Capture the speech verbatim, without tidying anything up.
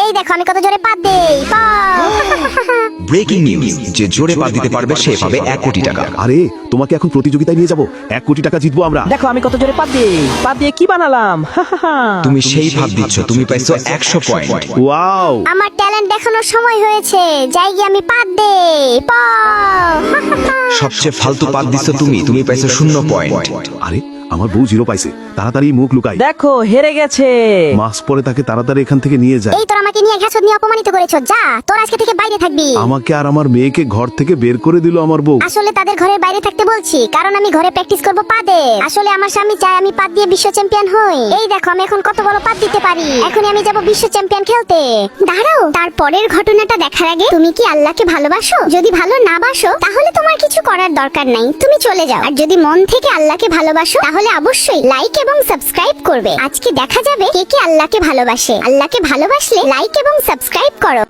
এই দেখো আমি কত জোরে পাদ দেই। ব্রেকিং নিউজ, যে জোরে পাদ দিতে পারবে সে পাবে এক কোটি টাকা। আরে তোমাকে এখন প্রতিযোগিতায় নিয়ে যাব, এক কোটি টাকা জিতবো আমরা। দেখো আমি কত জোরে পাদ দিই, পাদ দিয়ে কি বানালাম। তুমি সেই ভাব দিচ্ছ, তুমি পাইছো একশো পয়েন্ট। ওয়াও, আমার ট্যালেন্ট দেখানোর সময় হয়েছে, যাই গিয়ে আমি পাদ দেই। সবচেয়ে ফালতু পাদ দিচ্ছ তুমি, তুমি পাইছো শূন্য পয়েন্ট। আরে আমার বউ জিরো পাইছে, তাড়াতাড়ি মুখ লুকাই। দেখো হেরে গেছে। মাস পরে তাকে তাড়াতাড়ি এখান থেকে নিয়ে যায়। এই তোর আমাকে নিয়ে ঘাসত নিয়ে অপমানিত করেছো, যা তোর আজকে থেকে বাইরে থাকবি। আমাকে আর আমার মেয়েকে ঘর থেকে বের করে দিল আমার বউ। আসলে তাদের ঘরের বাইরে থাকতে বলছি, কারণ আমি ঘরে প্র্যাকটিস করব পাদে। আসলে আমার স্বামী চায় আমি পাদ দিয়ে বিশ্ব চ্যাম্পিয়ন হই। এই দেখো আমি এখন কত বড় পাদ দিতে পারি। এখনই আমি যাব বিশ্ব চ্যাম্পিয়ন খেলতে। দাঁড়াও, তারপরের ঘটনাটা দেখার আগে তুমি কি আল্লাহকে ভালোবাসো? যদি ভালো না বাসো তাহলে তোমার কিছু করার দরকার নাই, তুমি চলে যাও। আর যদি মন থেকে আল্লাহকে ভালোবাসো তাহলে অবশ্যই লাইক এবং সাবস্ক্রাইব করবে। আজকে দেখা যাবে কে কে আল্লাহকে ভালোবাসে। আল্লাহকে ভালোবাসলে লাইক এবং সাবস্ক্রাইব করো।